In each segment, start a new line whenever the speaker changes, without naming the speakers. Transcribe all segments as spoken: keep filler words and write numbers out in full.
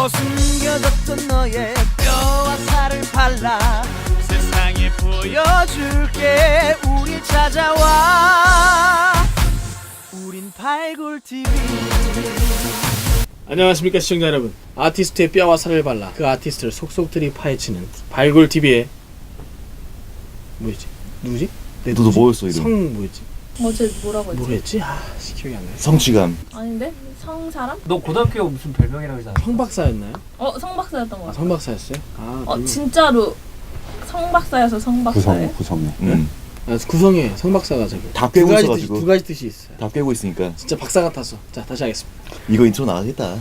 숨겨뒀던 너의 뼈와 살을 발라 세상에 보여줄게. 우릴 찾아와. 우린 발굴티비.
안녕하십니까 시청자 여러분. 아티스트의 뼈와 살을 발라 그 아티스트를 속속들이 파헤치는 발굴티비의 뭐였지? 누구지? 내
너도 뭐였어 이름?
성 뭐였지?
어제 뭐라고 했지?
뭐랬지? 아 기억이 안 나요.
성취감.
아닌데? 성사람?
너 고등학교 무슨 별명이라고 하지 않았어?
성박사였나요?
어 성박사였던 거
아
같아.
성박사였어요? 아
어
별명.
진짜로 성박사여서 성박사예요?
구성, 구성에.
음.
아, 구성에 성박사가 저기
다
두
깨고
가지 뜻,
있어가지고.
두 가지 뜻이 있어요.
다 깨고 있으니까
진짜 박사 같아서. 자 다시 하겠습니다.
이거 인트로 나가겠다.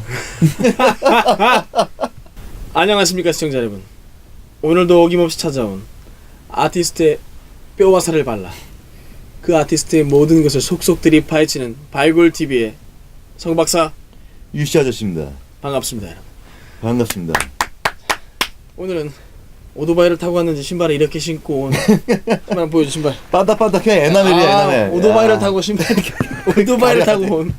안녕하십니까 시청자 여러분. 오늘도 어김없이 찾아온 아티스트의 뼈와 살을 발라 그 아티스트의 모든 것을 속속들이 파헤치는 발굴티비의 성박사
유씨 아저씨입니다.
반갑습니다 여러분.
반갑습니다.
오늘은 오토바이를 타고 왔는지 신발을 이렇게 신고 온 신발 보여줘. 신발
빤딱빤딱 그냥 에나멜이야
아,
에나멜.
오토바이를
야.
타고 신발 오토바이를 타고 온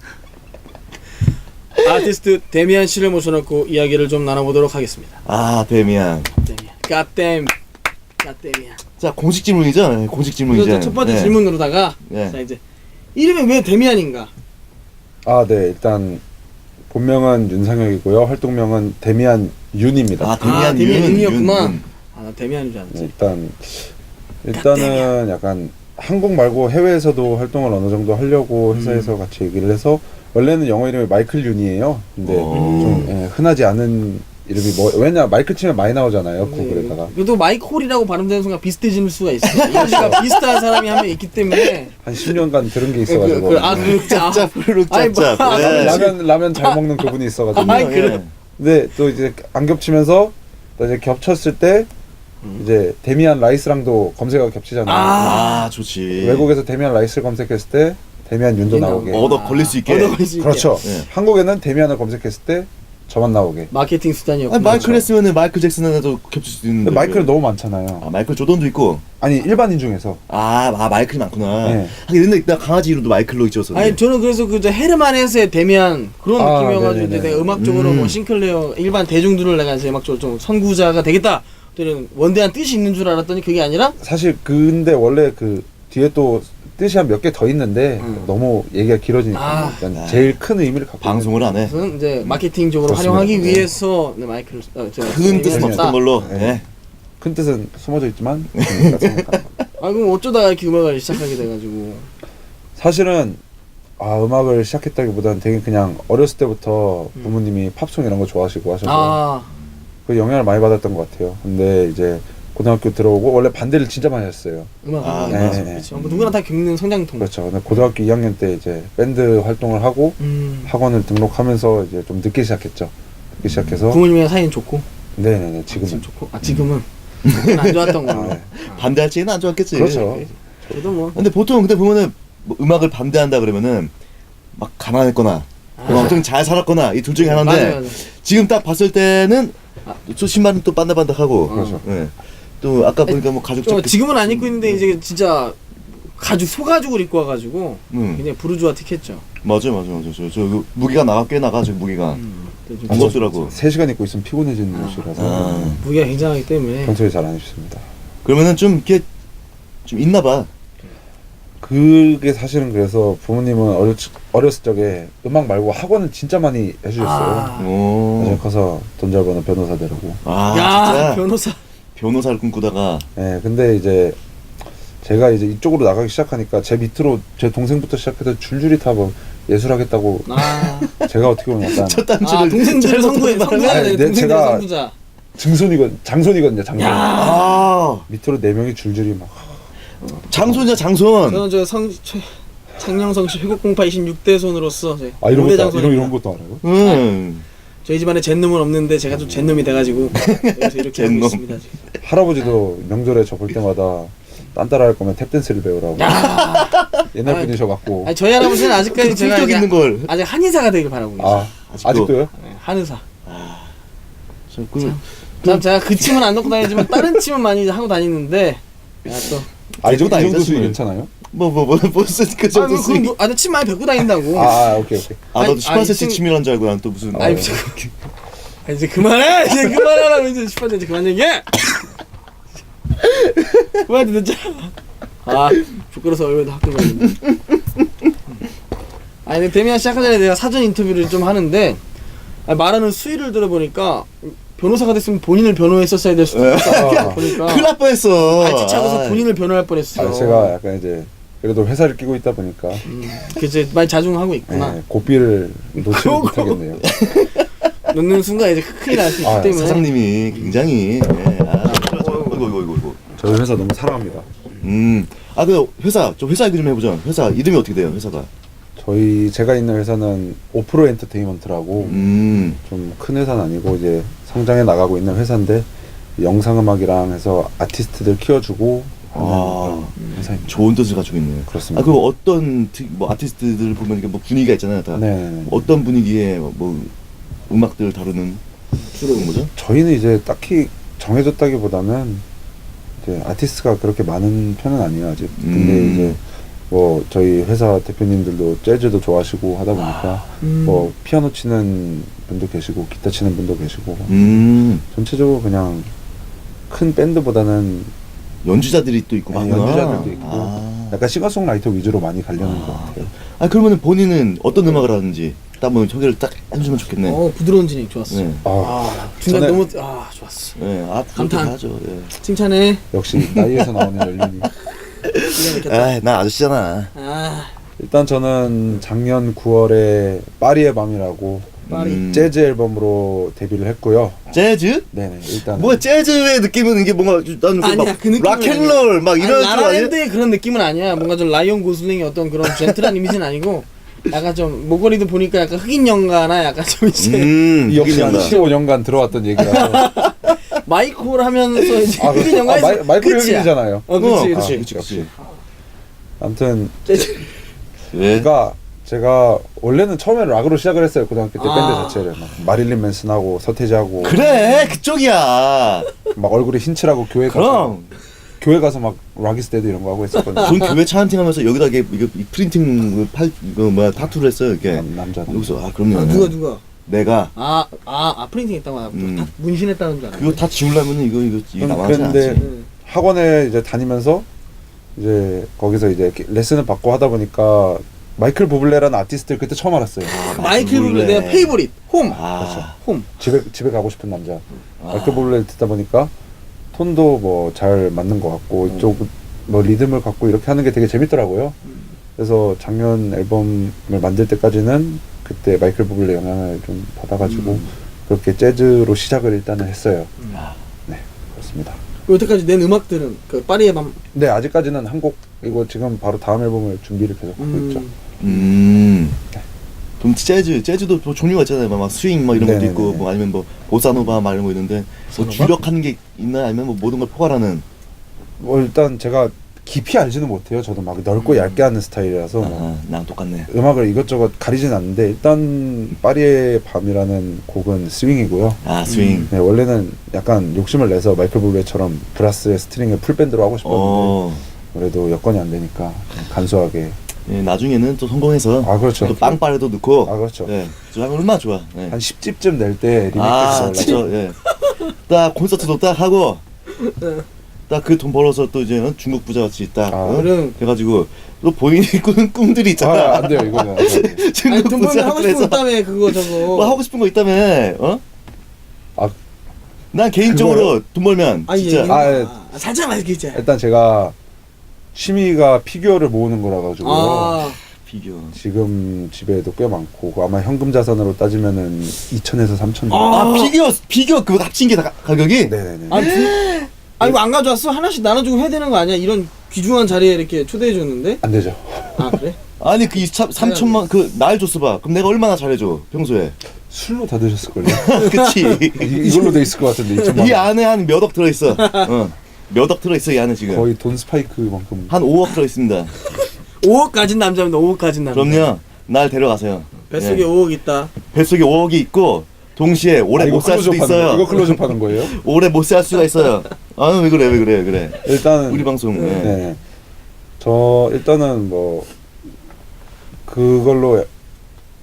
아티스트 데미안 씨를 모셔놓고 이야기를 좀 나눠보도록 하겠습니다.
아 데미안.
데미안 갓댐 갓데미안.
자 공식 질문이죠? 네, 공식 질문이죠.
그래서 첫 번째
네.
질문으로다가
네.
자 이제 이름이 왜 데미안인가?
아, 네. 일단 본명은 윤상혁이고요. 활동명은 데미안 윤입니다.
아 데미안,
아, 데미안
윤,
윤이었구나.
윤, 윤.
아, 나 데미안인 줄 알았지.
네, 일단 일단은 약간 한국 말고 해외에서도 활동을 어느 정도 하려고 회사에서
음.
같이 얘기를 해서 원래는 영어 이름이 마이클 윤이에요. 근데
오.
좀 예, 흔하지 않은 이름이 뭐 왜냐 마이클 치면 많이 나오잖아요. 구글에다가.
네. 그래도 마이콜이라고 발음되는 순간 비슷해지는 수가 있어요. 이가 비슷한 사람이 한 명 있기 때문에.
한 십 년간 들은 게
그,
있어가지고.
그, 아, 그, 짜.
짭짭
아니,
짭짭.
뭐,
네.
라면 라면 잘 먹는 그분이 있어가지고.
아이, 그래.
근데 또 이제 안 겹치면서 또 이제 겹쳤을 때
음.
이제 데미안 라이스랑도 검색어가 겹치잖아요.
아.
아 좋지.
외국에서 데미안 라이스를 검색했을 때 데미안 윤도
윤
나오게.
나오고.
얻어 걸릴 수 있게.
얻어 걸릴 수 있게.
그렇죠.
네.
한국에는 데미안을 검색했을 때 저만 나오게.
마케팅 수단이었고.
아니, 마이클 했으면은 마이클 잭슨하고도 겹칠 수도 있는데.
근데 마이클은
왜?
너무 많잖아요.
아 마이클 조던도 있고.
아니 일반인 중에서.
아, 아 마이클이 많구나.
네.
하긴 근데 나 강아지 이름도 마이클로 있어서.
아니 저는 그래서 그저 헤르만헤스의 데미안 그런
아,
느낌이어가지고 이제
네네네.
내가 음악적으로
음.
뭐 싱클레어 일반 대중들을 내가 이제 음악적으로 좀 선구자가 되겠다. 또는 원대한 뜻이 있는 줄 알았더니 그게 아니라
사실 근데 원래 그 뒤에 또 뜻이 한 몇 개 더 있는데
음.
너무 얘기가 길어지니까
아.
일단 제일 큰 의미를 갖고
방송을 안 해.
저는 이제 마케팅적으로
그렇습니다.
활용하기
네.
위해서 네, 마이크를 어, 저,
큰 뜻은
데미안을
없던
썼다.
걸로.
네.
네.
큰 뜻은 숨어져 있지만 재미가 생각하는 겁니다.
아 그럼 어쩌다가 이렇게 음악을 시작하게 돼가지고.
사실은 아 음악을 시작했다기보다는 되게 그냥 어렸을 때부터 부모님이 팝송 이런 거 좋아하시고 하셔서
아
그 영향을 많이 받았던 것 같아요. 근데 이제 고등학교 들어오고 원래 반대를 진짜 많이 했어요.
음악
아,
음악
네,
맞아.
네.
그렇죠. 뭐 누구나 다 겪는 성장통.
그렇죠. 근데 고등학교 이 학년 때 이제 밴드 활동을 하고
음.
학원을 등록하면서 이제 좀 늦게 시작했죠. 늦게 시작해서
부모님이랑 사이는 좋고.
네네네
지금
지금은
좋고. 아 지금은 그건 안 좋았던 거.
아, 네.
반대할 지는 안 좋았겠지.
그렇죠.
그래도 뭐.
근데 보통 근데 보면은 뭐 음악을 반대한다 그러면은 막 가난했거나 뭐 엄청 잘 살았거나 이 둘 중에 하나인데
맞아요, 맞아요.
지금 딱 봤을 때는 또 신발은 또 반짝반짝하고
그렇죠.
예. 또 아까 보니까 뭐 가죽
좀
자켓
지금은 안 입고 있는데 이제 진짜 가죽 소가죽을 입고 와가지고
음.
굉장히 부르주아틱했죠.
맞아 맞아 맞아 저, 저 그 무게가 나가 꽤 나가 지금 무게가
음. 좀
아, 무겁더라고.
세 시간 입고 있으면 피곤해지는 옷이라서
아.
무게가 굉장하기 때문에.
평소에 잘 안 입습니다.
그러면은 좀 이렇게 좀 있나 봐.
그게 사실은 그래서 부모님은 어렸, 어렸을 적에 음악 말고 학원을 진짜 많이 해주셨어요.
아.
나중에
오.
커서 돈 잘 버는 변호사 되라고.
아
야
진짜
변호사.
변호사를 꿈꾸다가
네, 근데 이제 제가 이제 이쪽으로 나가기 시작하니까 제 밑으로 제 동생부터 시작해서 줄줄이 다 뭐 예술하겠다고
아,
제가 어떻게 보면 약간
첫 단추를
아 동생들을 선구해 선구해야
아니,
돼.
네,
동생들
제가-
선구자.
증손이건 장손이거든요. 장손.
아
밑으로 네 명이 줄줄이 막.
장손이야 장손.
저는 저성 창녕성 씨 회곡공파 이십육 대 손으로서 제
아 이런
오대
것도 이런
장손입니다.
이런 것도 알아요?
음.
저희 집안에 젠놈은 없는데 제가 좀 젠놈이 돼가지고 그래서 이렇게 하고
젠놈.
있습니다. 지금.
할아버지도 명절에 저 볼 때마다 딴 따라 할 거면 탭댄스를 배우라고. 옛날
아니,
분이셔갖고.
아니 저희 할아버지는 아직까지 제가
품격
이제
있는 걸.
아직 한의사가 되길 바라고 계세요.
아
아직도.
아직도요?
네, 한의사.
저 그,
참 제가 그 침은 안 넣고 다니지만 다른 침은 많이 하고 다니는데 야, 또
아, 이
들고
정도 이
다니죠,
정도 수익
지금.
괜찮아요?
뭐뭐뭐 무슨 그
아,
정도
뭐,
수익.
그, 아, 나 침 많이 뱉고 다닌다고.
아, 아 오케이 오케이.
아, 너도
아니,
십팔 세치
아니,
치밀한 줄 알고 난 또 무슨.
아니,
어.
저- 아, 이제 그만해. 이제 그만하라고 이제 싶었는데 이제 그만 얘기해. 그만 듣자. 아 부끄러서 얼굴도 학교 가는데. 아니 근데 데미안 시작하기 전에 내가 사전 인터뷰를 좀 하는데 아니, 말하는 수위를 들어보니까 변호사가 됐으면 본인을 변호했었어야 될 수도 있다. 보니까
큰일 날 뻔했어.
발치차고서 본인을 변호할 뻔했어.
아, 제가 약간 이제 그래도 회사를 끼고 있다 보니까
음, 그 이제 많이 자중하고 있구나.
네, 고삐를 놓지 못하겠네요.
넣는 순간 이제 큰일 날 수 있기
아,
때문에.
사장님이 굉장히 예, 아, 이거 이거 이거 이거.
저희 회사 너무 사랑합니다.
음. 아, 그 회사 저 회사 얘기 좀 해보자. 회사 이름이 어떻게 돼요? 회사가?
저희 제가 있는 회사는 오프로 엔터테인먼트라고
음.
좀 큰 회사는 아니고 이제 성장해 나가고 있는 회사인데 영상음악이랑 해서 아티스트들 키워주고 하는
아,
그런 회사입니다.
좋은 뜻을 가지고 있네요.
그렇습니다.
아, 그 어떤 특- 뭐 아티스트들 보면 이게 뭐 분위기가 있잖아요. 다.
네.
어떤 분위기의 뭐 음악들을 다루는 주로 뭐죠?
저희는 이제 딱히 정해졌다기보다는 이제 아티스트가 그렇게 많은 편은 아니에요 아직. 근데
음.
이제 뭐 저희 회사 대표님들도 재즈도 좋아하시고 하다 보니까
음.
뭐 피아노 치는 분도 계시고 기타 치는 분도 계시고
음.
전체적으로 그냥 큰 밴드보다는
연주자들이 또 있고
네,
많구나.
연주자들도 있고
아.
약간 싱어송라이터 위주로 많이 가려는 것 같아요.
아, 그러면 본인은 어떤 음악을 하는지 딱 한번 소개를 딱 해주면 좋겠네.
어 부드러운 진행 좋았어.
네.
아,
아 중간
전에-
너무 아 좋았어.
네. 아,
감탄.
하죠. 예.
칭찬해.
역시 나이에서 나오는 연륜이.
기가 막혔다.
아, 나 아저씨잖아.
아
일단 저는 작년 구월에 파리의 밤이라고
파리.
음.
재즈 앨범으로 데뷔를 했고요.
재즈?
네네 일단
뭐 재즈의 느낌은 이게 뭔가 나는
아니야, 그 느낌은
락앤롤 막 이런
아니,
쪽 아니야?
라라랜드의 그런 느낌은 아니야. 뭔가 좀 라이언 고슬링의 어떤 그런 젠틀한 이미지는 아니고 약간 좀 목걸이도 보니까 약간 흑인 영가나 약간 좀 이제
음,
역시 한
흑인이다.
십오 년간 들어왔던 얘기라서
마이콜 하면서 이제
아,
흑인
그-
영화에서
아, 마이, 마이클
끝이야.
흑인이잖아요.
어 그치
어,
그치.
그치,
아,
그치,
역시.
그치.
아무튼
왜?
그러니까 제가 원래는 처음에 락으로 시작을 했어요. 고등학교 때
아.
밴드 자체를 막 마릴린 맨슨하고 서태지하고
그래, 그쪽이야.
막 얼굴에 흰칠하고 교회 가서
그럼.
교회 가서 막 락이스테드 이런 거 하고 했었거든요.
전 교회 차한팅하면서 여기다 이게 이거 이 프린팅 팔 이거 뭐야 타투를 했어요 이렇게.
남- 남자
여기서 아 그럼요.
아, 누가 누가?
내가
아아 아, 프린팅 했다고 하나
음.
다 문신했다는 줄 알았네.
그거 다 지우려면은 이거 이거 이거
음,
남아지 않지.
근데-
응.
학원에 이제 다니면서 이제 거기서 이제 이렇게 레슨을 받고 하다 보니까 마이클 부블레라는 아티스트를 그때 처음 알았어요.
마이클 부블레 내가 페이보릿 홈.
아,
홈.
집에 집에 가고 싶은 남자.
아.
마이클 부블레를 듣다 보니까 톤도 뭐 잘 맞는 것 같고 이쪽 뭐 리듬을 갖고 이렇게 하는 게 되게 재밌더라고요. 그래서 작년 앨범을 만들 때까지는 그때 마이클 부블레 영향을 좀 받아가지고
음.
그렇게 재즈로 시작을 일단은 했어요.
음.
네, 그렇습니다.
여태까지 낸 음악들은 그 파리의 밤.
네, 아직까지는 한 곡 이거 지금 바로 다음 앨범을 준비를 계속 하고 있죠.
음.
음. 좀 재즈, 재즈도 뭐 종류가 있잖아요. 막 스윙 막 이런 것도
네네네.
있고, 뭐 아니면 뭐 보사노바 막 이런 거 있는데, 뭐
보사노바?
주력하는 게 있나 아니면 뭐 모든 걸 포괄하는.
뭐 일단 제가 깊이 알지는 못해요. 저도 막 넓고
음.
얇게 하는 스타일이라서 뭐
아, 나랑 똑같네.
음악을 이것저것 가리진 않는데 일단 파리의 밤이라는 곡은 스윙이고요.
아, 스윙.
네, 원래는 약간 욕심을 내서 마이클 부블레처럼 브라스의 스트링을 풀밴드로 하고 싶었는데
어,
그래도 여건이 안 되니까 간소하게.
예, 나중에는 또 성공해서
아 그렇죠.
또 빵빠레도 넣고.
아 그렇죠.
예, 저 하면 얼마나 좋아. 예.
한 십 집쯤 낼 때
아,
리메이크
진짜, 예. 딱 콘서트도 딱 하고, 딱 그 돈 벌어서 또 이제 중국 부자 같이 딱,
아,
어?
그럼.
해가지고, 또 본인이 꾸는 꿈들이 있잖아.
아, 안 돼요 이거는. 안 돼요.
아니
중국
돈 벌면 하고 싶은 거
그래서
있다며 그거 저거.
뭐 하고 싶은 거 있다며, 어?
아,
난 개인적으로 돈 벌면,
아니
진짜.
얘기.
아, 예.
아, 살짝만 이렇게 이제.
일단 제가 취미가 피규어를 모으는 거라 가지고
아
비교.
지금 집에도 꽤 많고 아마 현금 자산으로 따지면은 이천에서 삼천.
아.
아, 비교, 비교 그거 합친 게 다 가- 가격이?
네네네.
아니 부... 아니 이거 안 가져왔어? 하나씩 나눠주고 해야 되는 거 아니야? 이런 귀중한 자리에 이렇게 초대해 줬는데.
안 되죠.
아 그래?
아니, 그 삼천만, 그, 날 줬어 봐. 그럼 내가 얼마나 잘해줘, 평소에.
술로 다 드셨을걸요?
그치.
이- 이걸로 돼 있을 것 같은데 이천만
이
원.
안에 한 몇 억 들어있어. 어. 몇 억 들어있어, 이 안에 지금.
거의 돈 스파이크만큼.
한 오억 들어있습니다.
오억 가진 남자입니다. 오억 가진 남자.
그럼요. 날 데려가세요.
뱃속에
예.
오억 있다.
뱃속에 오억이 있고, 동시에 오래
아, 이거
못 살 수도
클로즈업 하는 거-
있어요.
이거 클로즈업 하는 거예요?
오래 못 살 수가 있어요. 아, 왜 그래, 왜 그래, 왜 그래.
일단
우리 방송. 예.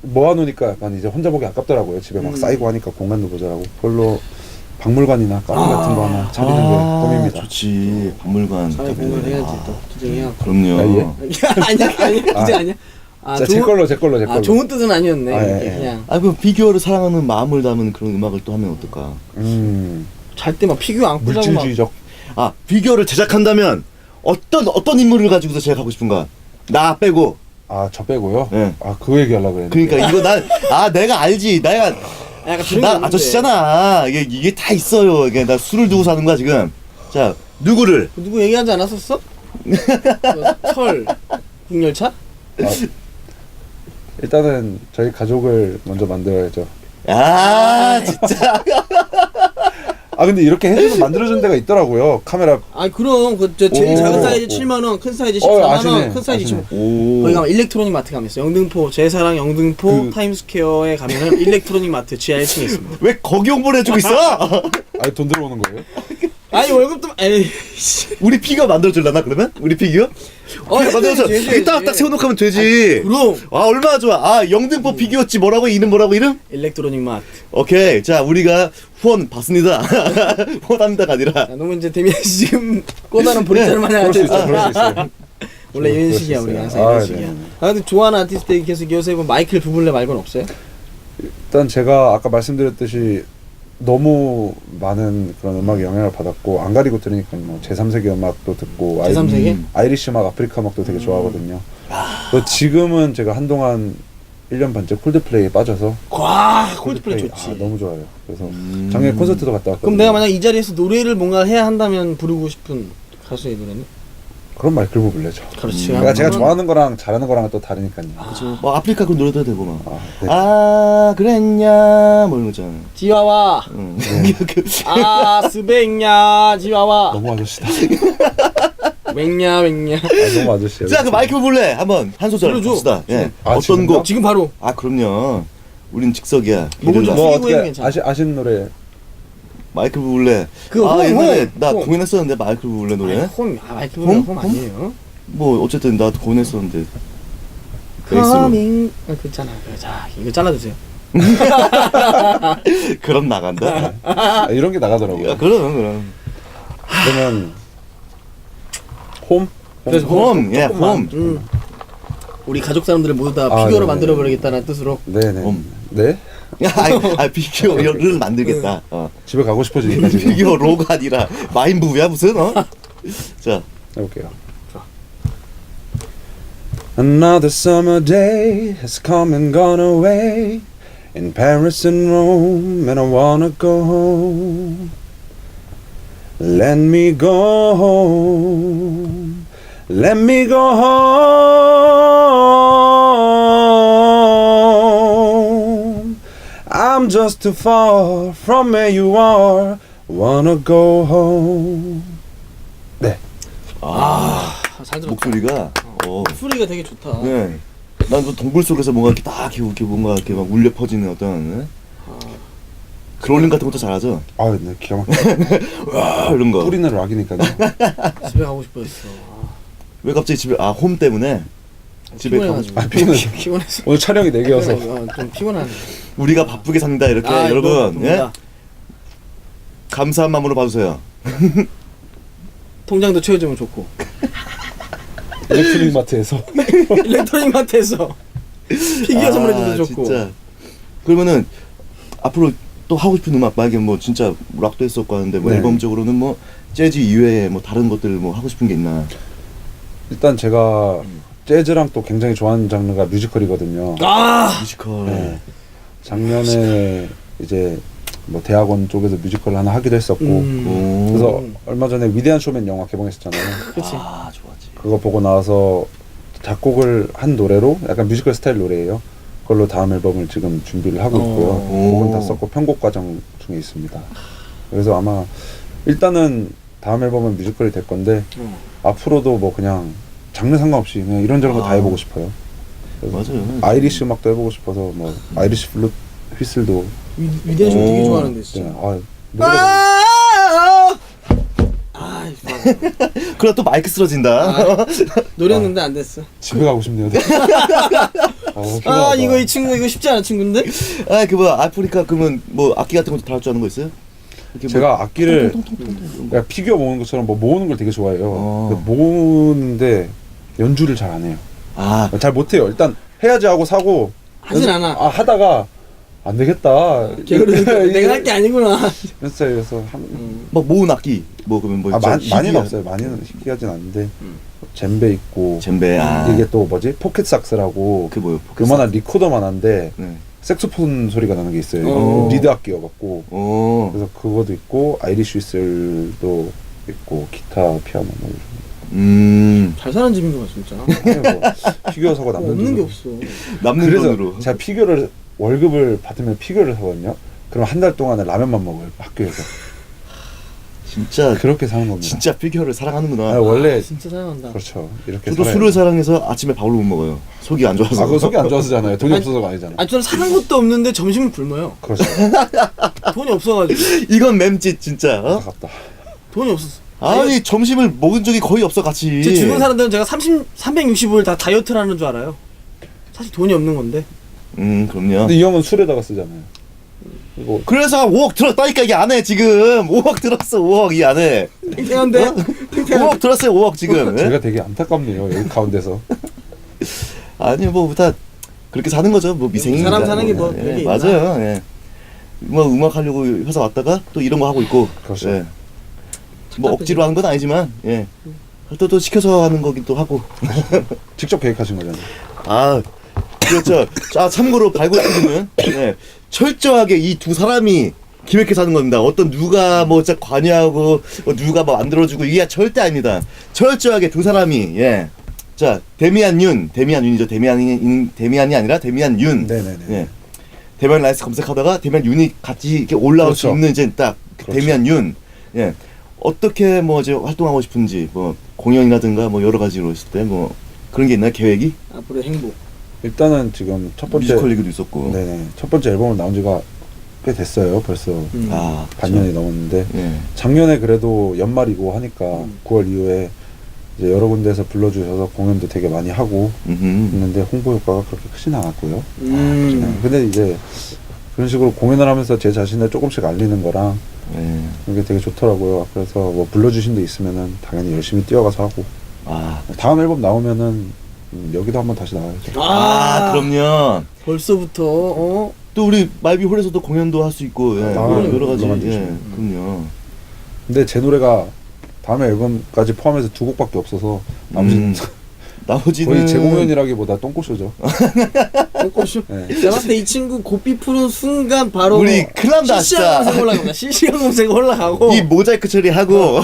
모아놓으니까 약간 이제 혼자 보기 아깝더라고요. 집에 막
음.
쌓이고 하니까 공간도 모자라고. 별로 박물관이나 카페 같은 거 하나 차리는 게 꿈입니다.
좋지. 박물관.
사회
카페.
공부를 해야지
아,
또 투쟁해야.
그럼요.
아, 예.
아니야 아니야
아.
투쟁 아니야. 아,
자, 제 걸로 제 걸로 제 걸로.
아 좋은 뜻은 아니었네.
아, 예,
이게
예.
그냥
아, 그 피규어를 사랑하는 마음을 담은 그런 음악을 또 하면 어떨까?
음,
잘 때 막 피규어 안고 자고 막.
물질주의적.
아, 피규어를 제작한다면 어떤 어떤 인물을 가지고서 제작하고 싶은가? 나 빼고.
아, 저 빼고요.
예.
아, 그 얘기하려고 그랬는데.
그러니까 이거 난 아 내가 알지. 내가
약간 그런 게
나
있는데.
아저씨잖아. 이게 이게 다 있어요. 이게 나 술을 두고 사는 거야 지금. 자 누구를?
누구 얘기하지 않았었어? 그 철 국열차?
아, 일단은 저희 가족을 먼저 만들어야죠.
아 진짜.
아, 근데 이렇게 해주면 만들어준 데가 있더라고요. 카메라.
아 그럼 그 저 제일
오.
작은 사이즈
오.
칠만 원, 큰 사이즈
어,
십사만 원,
아시네.
큰 사이즈
아시네.
이십오.
오.
거기 가면 일렉트로닉 마트 가면 있어. 영등포 제사랑 영등포
그-
타임스퀘어에 가면은 일렉트로닉 마트 지하 일 층에 있습니다.
왜 거기 홍보를 해주고 있어?
아니, 돈 들어오는 거예요?
아니 월급도 에이.
우리 피규어 만들어줄라나 그러면? 우리 피규어?
어,
만들어서
해줘야지, 해줘야지.
이따 딱 세워놓고 하면 되지.
그럼
아 얼마나 좋아. 아 영등포 피규어집 뭐라고 이름 뭐라고 이름?
일렉트로닉 마트.
오케이. 자 우리가 후원 받습니다. 후원합니다가 아니라.
야, 너무 이제 데미안 씨 지금 꼬다는 보리자를 마냥
그럴 수 있어,
앉아있어.
그럴 수 있어요.
원래 이런
그럴 수
식이야 우리
있어요.
항상 이런
아,
식이야.
네.
아 근데 좋아하는 아티스트 계속 요새 뭐 마이클 부블레 말고는 없어요?
일단 제가 아까 말씀드렸듯이 너무 많은 그런 음악에 영향을 받았고 안 가리고 들으니까 뭐 제삼 세계 음악도 듣고 아이-
제삼 세계?
음, 아이리시 음악, 아프리카 음악도 되게 좋아하거든요. 또 지금은 제가 한동안 일 년 반째 콜드플레이에 빠져서
와 콜드플레이 좋지.
아, 너무 좋아요. 그래서
음.
작년에 콘서트도 갔다 왔거든요.
그럼 내가 만약 이 자리에서 노래를 뭔가 해야 한다면 부르고 싶은 가수의 노래는?
그럼 마이클 부블레죠.
그렇지.
그러니까 제가
한번-
좋아하는 거랑 잘하는 거랑은 또 다르니까요.
뭐 아프리카 그 노래도 되고 막.
아, 네.
아 그랬냐 뭐 이런 거 있잖아.
지와와
응.
아 스백냐 지와와
너무 아저씨다.
맹냐 맹냐.
아, 너무 아저씨야.
자 그 마이클 부블레 한번 한 소절
불러줘.
합시다. 예.
아,
어떤
지금요?
곡?
지금 바로
아 그럼요. 우린 즉석이야.
목을 좀
게릴라.
뭐
숙이고
어떻게
해도 괜찮아.
아시 아시는 노래?
마이클 부블레.
그
아
홈,
옛날에
홈,
나
홈.
공연했었는데 마이클 부블레 노래.
홈, 아 마이클 부블레
홈?
홈 아니에요?
뭐 어쨌든 나도 공연했었는데. 베이스로.
커밍 아 그잖아. 자 이거 잘라주세요.
그럼 나간다.
아, 이런 게 나가더라고요.
야, 그럼 그럼.
그러면 홈?
그래서
홈, 예,
조금만.
홈.
음. 우리 가족 사람들을 모두 다
아,
피규어로
네네.
만들어 버리겠다는 뜻으로.
네네.
홈.
네?
야, 아, 아 피규어를 만들겠다. 어.
집에 가고 싶어지니까 지금
피규어로가 아니라 마인부야 무슨 어? 자.
해볼게요. Another summer day has come and gone away in Paris and Rome, and I wanna go home. Let me go home. Let me go home. I'm just too far from where you are. Wanna go home. 네.
아,
아, 잘 들었다.
목소리가 어.
소리가 되게 좋다.
네. 난그 동굴 속에서 뭔가 이렇게 딱 이렇게 뭔가 이렇게 막 울려 퍼지는 어떤 네? 그롤링 같은 것도 잘하죠.
아, 네, 기가 막혀.
와 이런 거.
뿌리는 락이니까요.
집에 가고 싶어졌어.
왜 갑자기 집에 아 홈 때문에 집에 가고 싶.
피곤해가지고.
아, 피곤해서.
피곤해서.
오늘 촬영이 네 개여서.
어, 좀 피곤하네.
우리가 바쁘게 삽니다 이렇게
아,
여러분
너무
예?
바쁩니다.
감사한 마음으로 봐주세요.
통장도 채워주면 좋고.
일렉트릭 마트에서.
일렉트로닉 마트에서 피규어 선물해줘도 좋고.
아, 진짜. 그러면은 앞으로 또 하고 싶은 음악 만약에 뭐 진짜 락도 했었고 하는데 뭐
네.
앨범적으로는 뭐 재즈 이외에 뭐 다른 것들 뭐 하고 싶은 게 있나?
일단 제가 재즈랑 또 굉장히 좋아하는 장르가 뮤지컬이거든요.
아
뮤지컬.
네. 작년에 이제 뭐 대학원 쪽에서 뮤지컬 하나 하기도 했었고,
음.
오.
그래서 얼마 전에 위대한 쇼맨 영화 개봉했었잖아요.
그렇지.
아 좋았지.
그거 보고 나서 작곡을 한 노래로 약간 뮤지컬 스타일 노래예요. 그걸로 다음 앨범을 지금 준비를 하고 있고요.
오.
곡은 다 썼고 편곡 과정 중에 있습니다. 그래서 아마 일단은 다음 앨범은 뮤지컬이 될 건데
음.
앞으로도 뭐 그냥 장르 상관없이 그냥 이런저런 거 다
아.
해보고 싶어요.
맞아요.
아이리시 음악도 해보고 싶어서 뭐 아이리시 블루 휘슬도
위- 위대한 쇼 되게
오.
좋아하는데
네,
진짜.
아, 노래가
아, 아, 아,
그럼 또 마이크 쓰러진다.
아, 노렸는데 안 됐어.
집에 가고 싶네요. 아,
아 이거 이 친구 이거 쉽지 않은 친구인데?
아, 그 뭐야 아프리카 그러면 뭐 악기 같은 것도 다룰 줄 아는 거 있어요? 이렇게
제가
뭐
악기를
통통통통통
그러니까 피규어 모으는 것처럼 뭐 모으는 걸 되게 좋아해요.
어.
근데 모으는데 연주를 잘 안 해요.
아,
잘 못해요. 일단 해야지 하고 사고
하진
연습-
않아.
아 하다가 안 되겠다.
게으르니까 내가 할 게 아니구나.
이런 스타일에서 한,
막 모은 악기 뭐 그러면 뭐
아, 마,
진짜
많이는
희귀한-
없어요. 많이는 희귀하진 않은데
음.
젬베 있고
젬베 아
이게 또 뭐지 포켓 삭스라고
그 뭐요?
그만한 리코더만 한데
네.
색소폰 소리가 나는 게 있어요.
어.
리드 악기여갖고
어.
그래서 그것도 있고 아이리쉬 휘슬도 있고 기타 피아노 뭐
음.
잘 사는 집인 거야 진짜.
이런 거. 뭐 피규어 사고 남는
없는 게
돈으로.
없어.
남는
그래서
돈으로.
제가 피규어를 월급을 받으면 피규어를 사거든요. 그럼 한 달 동안에 라면만 먹어요 학교에서.
진짜
그렇게 사는 겁니다.
진짜 피규어를 사랑하는구나.
아, 원래
아, 진짜 사랑한다.
그렇죠. 이렇게
저도
살아야
술을
돼요.
사랑해서 아침에 밥을 못 먹어요. 속이 안 좋아서.
아, 그거 속이 안 좋아서잖아요. 돈이
아니,
없어서가 아니잖아.
아니 저는 사는 것도 없는데 점심을 굶어요.
그렇죠.
돈이 없어가지고.
이건 맴짓 진짜. 어?
아깝다.
돈이 없었어.
아니 점심을 먹은 적이 거의 없어 같이.
제 주변 사람들은 제가 삼십, 삼백육십오 일 다 다이어트를 하는 줄 알아요. 사실 돈이 없는 건데.
음 그럼요.
근데 이 형은 술에다가 쓰잖아요. 이거
그래서 오억 들었다니까 이 안에 지금 오억 들었어 오억 이 안에.
탱탱한데? 탱탱한데?
오억 들었어요 오억 지금. 예?
제가 되게 안타깝네요. 여기 가운데서.
아니 뭐 다 그렇게 사는 거죠. 뭐 미생입니다.
사람 사는 게 뭐
예,
별게
맞아요. 예. 뭐 음악 하려고 회사 왔다가 또 이런 거 하고 있고.
그렇죠.
예. 뭐 억지로 하는 건 아니지만 예. 또 또 시켜서 하는 거기도 하고.
직접 계획하신 거잖아요.
아 그렇죠. 아 참고로 발굴팀은 예, 철저하게 이 두 사람이 기획해서 하는 겁니다. 어떤 누가 뭐 진짜 관여하고 뭐 누가 뭐 만들어주고 이게 절대 아닙니다. 철저하게 두 사람이 예. 자 데미안 윤, 데미안 윤이죠. 데미안이 데미안이 아니라 데미안 윤.
네네네.
예. 데미안 라이스 검색하다가 데미안 윤이 같이 이렇게 올라올 수
그렇죠.
있는 이제 딱
그렇죠.
데미안 윤. 예. 어떻게 뭐 이제 활동하고 싶은지 뭐 공연이라든가 뭐 여러 가지로 있을 때 뭐 그런 게 있나요? 계획이?
앞으로 행복.
일단은 지금 첫 번째
뮤지컬 얘기도 있었고.
네네 첫 번째 앨범을 나온 지가 꽤 됐어요. 벌써
음.
아
반년이 넘었는데
예.
작년에 그래도 연말이고 하니까
음.
구월 이후에 이제 여러 군데에서 불러주셔서 공연도 되게 많이 하고
음흠.
있는데 홍보 효과가 그렇게 크진 않았고요.
음.
네, 근데 이제 그런 식으로 공연을 하면서 제 자신을 조금씩 알리는 거랑
예.
이게 되게 좋더라고요. 그래서 뭐 불러주신 데 있으면은 당연히 열심히 뛰어가서 하고
아,
다음 앨범 나오면은 음, 여기도 한번 다시 나와야죠.
아, 그럼요.
벌써부터 어?
또 우리 말비 홀에서도 공연도 할 수 있고, 예.
아,
여러, 여러 가지,
물론
예.
만드시면.
그럼요.
근데 제 노래가 다음 앨범까지 포함해서 두 곡밖에 없어서 나머지는
음, 나머지는
거의 재공연이라기보다 똥꼬쇼죠.
똥꼬쇼.
네.
제가 봤을 때 이 친구 고삐 푸는 순간 바로
우리 큰일 난다,
실시간 검색
진짜.
올라갑니다. 실시간 검색 올라가고
이 모자이크 처리하고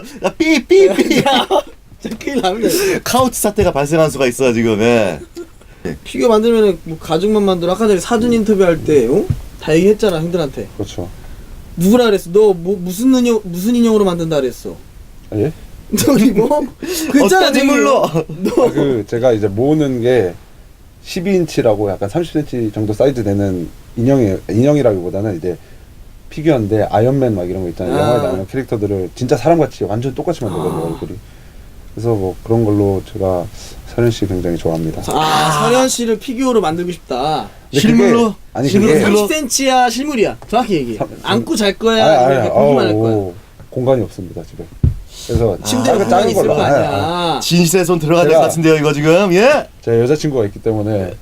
삐삐삐
진짜 큰일 납니다.
카우치 사태가 발생한 수가 있어 지금. 예.
피규어 만들면 뭐 가죽만 만들어. 아까 전에 사전 인터뷰할 때 어? 다 얘기했잖아 형들한테.
그렇죠.
누구라 그랬어? 너 뭐 무슨 인형 무슨 인형으로 만든다 그랬어?
아, 예?
저기 뭐? 그잖아
어떤 인물로?
아, 그 제가 이제 모으는 게 십이 인치라고 약간 삼십 센티미터 정도 사이즈 되는 인형이 인형이라기보다는 이제 피규어인데 아이언맨 막 이런 거 있잖아요.
아.
영화에 나오는 캐릭터들을 진짜 사람같이 완전 똑같이 만들거든요.
아.
얼굴이. 그래서 뭐 그런 걸로 제가 서현 씨 굉장히 좋아합니다.
아, 서현 씨를 피규어로 만들고 싶다.
근데
실물로?
그게- 아니
실물로?
그게
실물로?
삼십 센티미터야 실물이야. 정확히 얘기해.
삼-
안고 잘 거야.
아니,
아니면
아니,
그냥 보기만 할
아우,
거야.
공간이 없습니다 집에. 그래서
침대에
작은-
공간이
작은
있을
걸로.
거
아, 아, 아.
아니야.
진실의 손 들어가야 될 것
제가-
같은데요 이거 지금. 예?
제 여자친구가 있기 때문에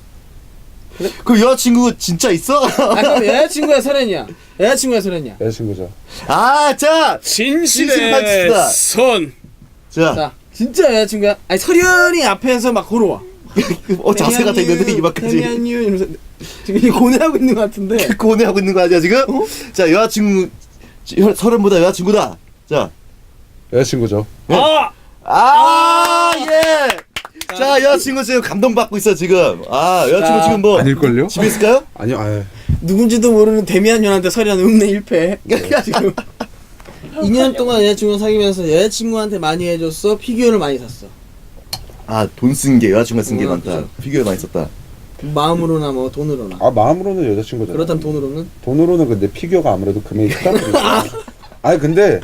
그 여자친구 진짜 있어?
아 그럼 여자친구야 설현이야. 여자친구야 설현이야.
여자친구죠.
아, 자,
진실의
진실의
손.
자,
자 진짜 여자친구야. 아니 설현이 앞에서 막 걸어와.
어 자세가 돼 있는데 이만까지.
태미안유 이러면서 지금 이 고뇌하고 있는 것 같은데.
고뇌하고 있는 거 아니야 지금?
어?
자, 여자친구 여- 서른보다 여자친구다. 자,
여자친구죠.
아
아, 예. 자, 여자친구 지금 감동받고 있어 지금. 아, 여자친구
자,
지금 뭐
아닐걸요?
집에 있을까요?
아니요. 아유.
누군지도 모르는 데미안유한테 설현 음내 일 패. 지금 이 년 동안 여자친구 사귀면서 여자친구한테 많이 해줬어. 피규어를 많이 샀어.
아, 돈 쓴 게 여자친구가 쓴 게
어,
많다.
그죠.
피규어 많이 썼다.
마음으로나 뭐 돈으로나.
아 마음으로는 여자친구죠.
그렇다면 돈으로는?
돈으로는 근데 피규어가 아무래도 금액이 크다 보니까. 아니 근데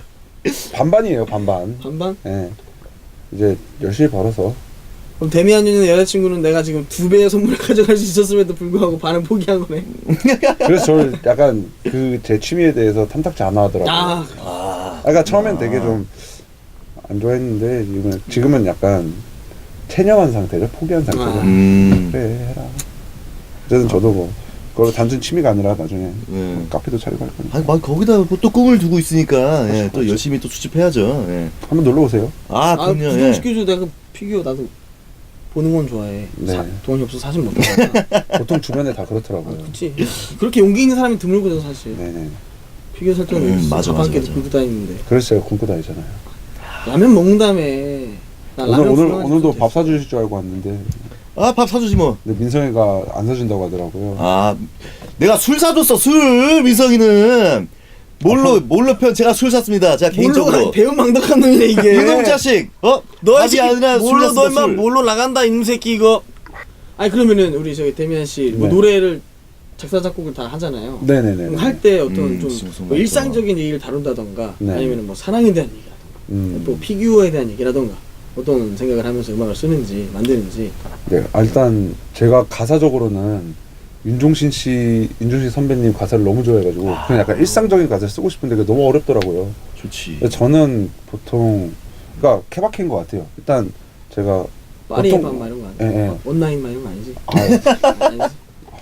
반반이에요, 반반.
반반?
예. 이제 열심히 벌어서
그럼 데미안 누님 여자친구는 내가 지금 두 배의 선물을 가져갈 수 있었음에도 불구하고 반은 포기한 거네.
그래서 저를 약간 그 제 취미에 대해서 탐탁지 않아 하더라고요.
아,
아,
그러니까 처음엔 되게 좀 안 좋아했는데 지금은, 지금은 약간 체념한 상태죠. 포기한 상태죠.
아.
음.
그래 해라. 어쨌든 저도 뭐 그걸 단순 취미가 아니라 나중에
네.
카페도 차리고 할 거니까
아니, 막 거기다 뭐또 꿈을 두고 있으니까 예, 또
그렇죠.
열심히 또 수집해야죠. 예.
한번 놀러 오세요.
아,
아,
그럼요.
구경
예.
시켜줘. 내가 피규어 나도 보는 건 좋아해.
네.
사, 돈이 없어 서 사진 못 하잖아.
보통 주변에 다 그렇더라고요.
그렇지. 그렇게 용기 있는 사람이 드물거든 사실.
네네.
피규어 살 때는
음, 맞아, 맞아,
밥한끼도
맞아.
굶고 다니는데.
그래서 제가 굶고 다니잖아요.
라면 먹는다며. 나
오늘
라면
오늘
불러가지고
오늘도
그때.
밥 사주실 줄 알고 왔는데
아, 밥 사주지 뭐.
근데 민성이가 안 사준다고 하더라고요.
아, 내가 술 사줬어, 술! 민성이는. 뭘로, 뭘로 편, 제가 술 샀습니다. 제가 개인적으로.
뭘로 가 배은망덕한 놈이네 이게.
이놈 자식! 어?
너
밥이 아니라 술
뭘로 너
샀습니다,
인마
술.
뭘로 나간다 이놈 새끼 이거. 아니 그러면은 우리 저기 데미안 씨뭐
네.
노래를 작사 작곡을 다 하잖아요.
네네네.
할 때 어떤
음,
좀
무슨 무슨
뭐
말이죠.
일상적인 얘기를 다룬다던가
네.
아니면 뭐 사랑에 대한 얘기라던가
음.
또 피규어에 대한 얘기라던가 어떤 생각을 하면서 음악을 쓰는지 만드는지.
네, 아, 일단 제가 가사적으로는 윤종신 씨, 윤종신 선배님 가사를 너무 좋아해가지고 그냥 약간 일상적인 가사를 쓰고 싶은데 그게 너무 어렵더라고요.
좋지.
근데 저는 보통 그러니까 케바케인 것 같아요. 일단 제가
파리의
보통-
밤 막 이런 거 아니야?
예, 예.
온라인 막 이런 거 아니지?
아,
아니지?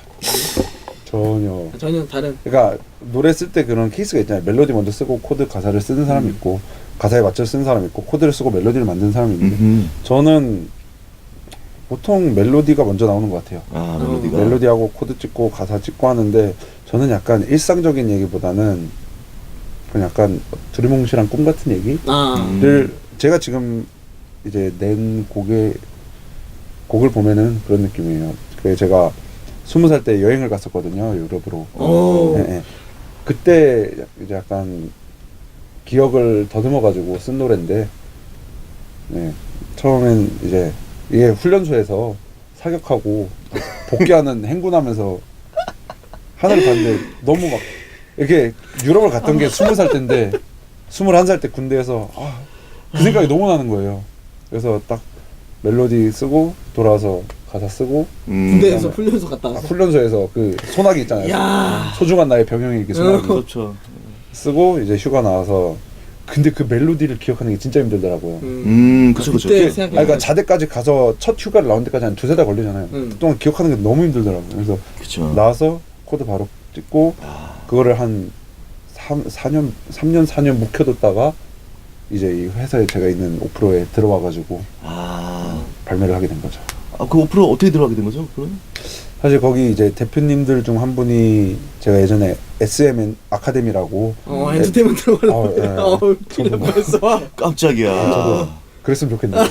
전혀.
전혀 다른.
그러니까 노래 쓸 때 그런 케이스가 있잖아요. 멜로디 먼저 쓰고 코드 가사를 쓰는 사람이 있고 가사에 맞춰 쓰는 사람이 있고 코드를 쓰고 멜로디를 만드는 사람이 있는데
음흠.
저는 보통 멜로디가 먼저 나오는 것 같아요.
아,
어.
멜로디가.
멜로디하고 코드 찍고 가사 찍고 하는데 저는 약간 일상적인 얘기보다는 그냥 약간 두리뭉실한 꿈 같은 얘기를
아.
음.
제가 지금 이제 낸 곡에 곡을 보면은 그런 느낌이에요. 그 제가 스무 살 때 여행을 갔었거든요, 유럽으로.
오.
예, 예. 그때 이제 약간 기억을 더듬어가지고 쓴 노래인데, 네. 처음엔 이제 이게 훈련소에서 사격하고 복귀하는 행군하면서 하늘을 봤는데 너무 막 이렇게 유럽을 갔던 게 스무 살 때인데 스물한 살 때 군대에서 아, 그 생각이 너무 나는 거예요. 그래서 딱 멜로디 쓰고 돌아와서 가사 쓰고
음.
군대에서
그다음에-
훈련소 갔다
아,
와서.
훈련소에서 그 소나기 있잖아요.
야.
소중한 나의 병영이 이렇게 소나기
그렇죠.
쓰고 이제 휴가 나와서 근데 그 멜로디를 기억하는 게 진짜 힘들더라고요.
음.
음, 그쵸, 그쵸.
그때
아니,
생각해.
그러니까 자대까지 가서 첫 휴가를 나온 데까지 한 두세 달 걸리잖아요.
음.
그동안 기억하는 게 너무 힘들더라고요. 그래서
그쵸.
나와서 코드 바로 찍고
아,
그거를 한 삼, 사 년, 삼 년, 사 년 묵혀뒀다가 이제 이 회사에 제가 있는 오프로에 들어와가지고
아.
발매를 하게 된 거죠.
아, 그 오프로 어떻게 들어가게 된 거죠? 오프로는?
사실 거기 이제 대표님들 중 한 분이 제가 예전에 에스엠 아카데미라고
어, 엔터테인먼트 들어가려고.
어, 예.
어, 그냥
저도
벌써.
깜짝이야.
저도 그랬으면 좋겠는데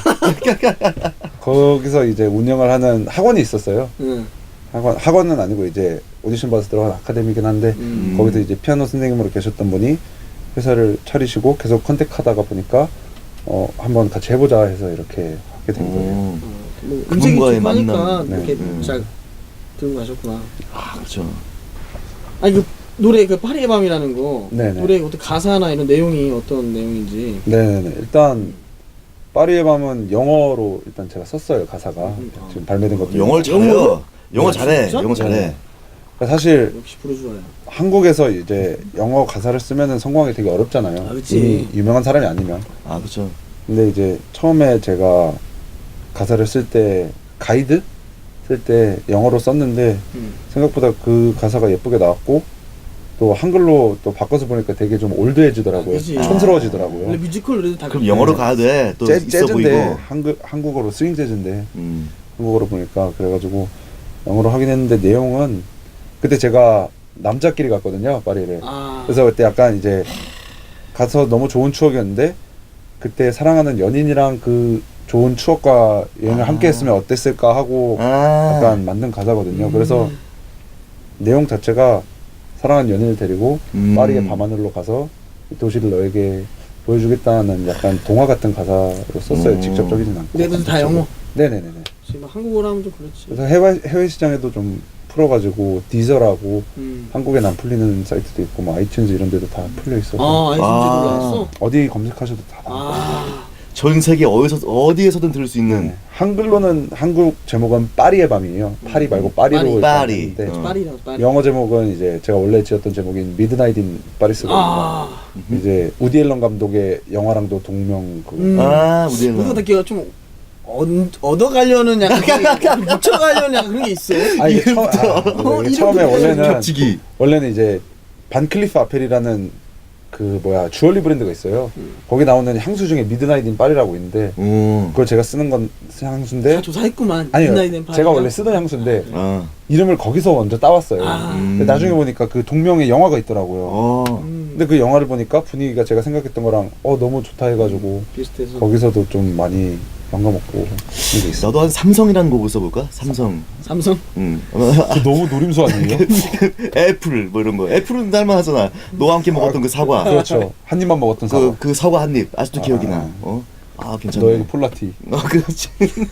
거기서 이제 운영을 하는 학원이 있었어요.
응.
학원, 학원은 아니고 이제 오디션 봐서 들어간 아카데미긴 한데
음.
거기서 이제 피아노 선생님으로 계셨던 분이 회사를 차리시고 계속 컨택하다가 보니까 어 한번 같이 해보자 해서 이렇게 하게 된 거예요.
오.
뭐 음색이
그분과의
좋고 하니까
만남.
이렇게
네.
잘 들고 가셨구나.
아, 그렇죠.
아니 그 노래 그 파리의 밤이라는 거
네네.
노래 어떤 가사나 이런 내용이 어떤 내용인지.
네네네. 일단 파리의 밤은 영어로 일단 제가 썼어요 가사가
음, 아.
지금 발매된 것도
영어를 잘해요.
영어로?
영어
아,
잘해.
진짜?
영어 잘해.
네. 그러니까 사실
역시 부르주아야.
한국에서 이제 영어 가사를 쓰면은 성공하기 되게 어렵잖아요.
아, 그치.
이미 유명한 사람이 아니면.
아, 그렇죠.
근데 이제 처음에 제가 가사를 쓸 때 가이드 쓸 때 영어로 썼는데
음.
생각보다 그 가사가 예쁘게 나왔고 또 한글로 또 바꿔서 보니까 되게 좀 올드해지더라고요.
아, 그치.
촌스러워지더라고요.
원래 뮤지컬 노래도 다
그럼 영어로 가야 돼. 또
재,
있어
재즈인데
보이고.
한글 한국어로 스윙 재즈인데
음.
한국어로 보니까 그래가지고 영어로 하긴 했는데 내용은 그때 제가 남자끼리 갔거든요 파리를.
아.
그래서 그때 약간 이제 가서 너무 좋은 추억이었는데 그때 사랑하는 연인이랑 그 좋은 추억과 여행을
아.
함께 했으면 어땠을까 하고
아.
약간 만든 가사거든요.
음.
그래서 내용 자체가 사랑하는 연인을 데리고
음.
파리의 밤하늘로 가서 이 도시를 너에게 보여주겠다는 약간 동화 같은 가사로 썼어요.
음.
직접적이진 않고.
근데 다 영어.
네네네네.
지금 한국어로 하면 좀 그렇지.
그래서 해외 해외 시장에도 좀 풀어가지고 디저라고
음.
한국엔 안 풀리는 사이트도 있고 뭐 아이튠즈 이런 데도 다 풀려 있어서
아, 아이튠즈
아.
올라왔어?
어디 검색하셔도 다 나와요.
아,
전 세계 어디서 어디에서든 들을 수 있는
네. 한글로는 한국 제목은 파리의 밤이에요. 파리 말고 파리로
파리.
일단
파리.
했는데
어.
파리라고 파리.
영어 제목은 이제 제가 원래 지었던 제목인 미드나잇 인 파리스거든요.
아,
이제 우디 앨런 감독의 영화랑도 동명 그
음.
아 우리
그거 듣기가 좀 얻, 얻어가려는 약간 그런 게, 묻혀가려는 약간 그런 게 있어.
아 이게 처, 아,
어,
이게 처음에
이름부터
원래는
겹치기.
원래는 이제 반클리프 아펠이라는 그 뭐야 주얼리 브랜드가 있어요.
음.
거기 나오는 향수 중에 미드나잇 인 파리라고 있는데
오.
그걸 제가 쓰는 건 향수인데
다 조사했구만.
아니요
midnight in
제가
Paris가.
원래 쓰던 향수인데
아.
이름을 거기서 먼저 따왔어요.
아.
근데 나중에 보니까 그 동명의 영화가 있더라고요.
어.
음,
근데 그 영화를 보니까 분위기가 제가 생각했던 거랑 어 너무 좋다 해가지고
비슷해서.
거기서도 좀 많이 영감먹고 그런 게 있어.
나도 한 삼성이라는 곡을 써볼까? 삼성.
삼성?
응.
그 너무 노림수 아니에요?
애플 뭐 이런 거. 애플은 날만하잖아. 너와 함께 먹었던 그 사과.
그렇죠. 한 입만 먹었던 사과.
그, 그 사과 한 입 아직도
아,
기억이
아.
나. 어? 아 괜찮네.
너에게 폴라티.
어 그렇지.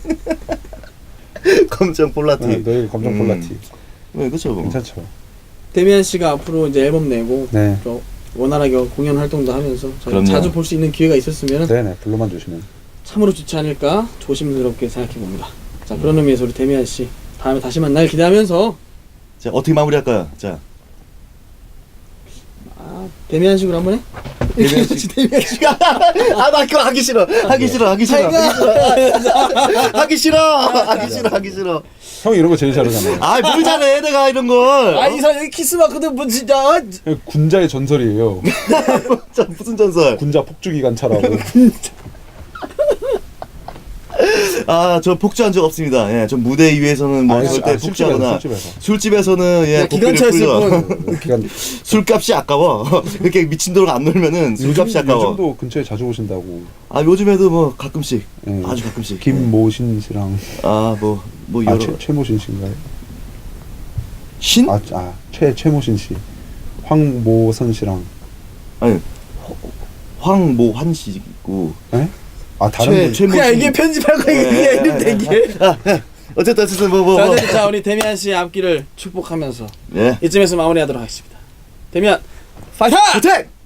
검정 폴라티.
네, 너에게 검정
음.
폴라티.
네, 그렇죠. 뭐.
괜찮죠.
데미안 씨가 앞으로 이제 앨범 내고
네.
또 원활하게 공연 활동도 하면서 저희
그럼요.
자주 볼 수 있는 기회가 있었으면
네네 불러만 주시면.
참으로 좋지 않을까 조심스럽게 생각해 봅니다. 자, 그런 의미에서 우리 데미안 씨 다음에 다시 만날 기대하면서
자 어떻게 마무리할까요? 자
아, 데미안 식으로 한번 해?
데미안 씨.
데미안 씨.
아나 그거 하기 싫어. 하기 싫어. 하기 싫어. 하기 싫어. 하기 싫어. 하기 싫어.
형이 이런 거 제일 잘하잖아요.
아뭘 잘해 내가 이런 걸.
아, 이 사람 여기 키스 마크도 뭐 진짜
군자의 전설이에요.
자, 무슨 전설?
군자 폭주기관차라고.
아, 저 폭주한 적 없습니다. 예, 저 무대 위에서는 뭐
아니,
절대
아, 술집에서,
폭주하거나
술집에서.
술집에서는 예,
야,
고삐를
기관차였을
풀려.
뿐.
기간
술값이 아까워. 이렇게 미친도록 안 놀면은 술값이 아까워.
요즘도 근처에 자주 오신다고.
아, 요즘에도 뭐 가끔씩,
예.
아주 가끔씩.
김모신 씨랑
아, 뭐, 뭐
아,
여러
최, 최모신 씨인가요?
신?
아, 아, 최 최모신 씨. 황모선 씨랑.
아니, 허- 황모환 씨고.
예? 아, 다른
최
분.
최모
그냥 이게 편집할 거야. 이게 이름 대기.
아, 예. 어쨌든 어쨌든 뭐 뭐.
자,
뭐.
어쨌든 자, 우리 데미안 씨의 앞길을 축복하면서
예.
이쯤에서 마무리하도록 하겠습니다. 데미안 파이터!
호텔.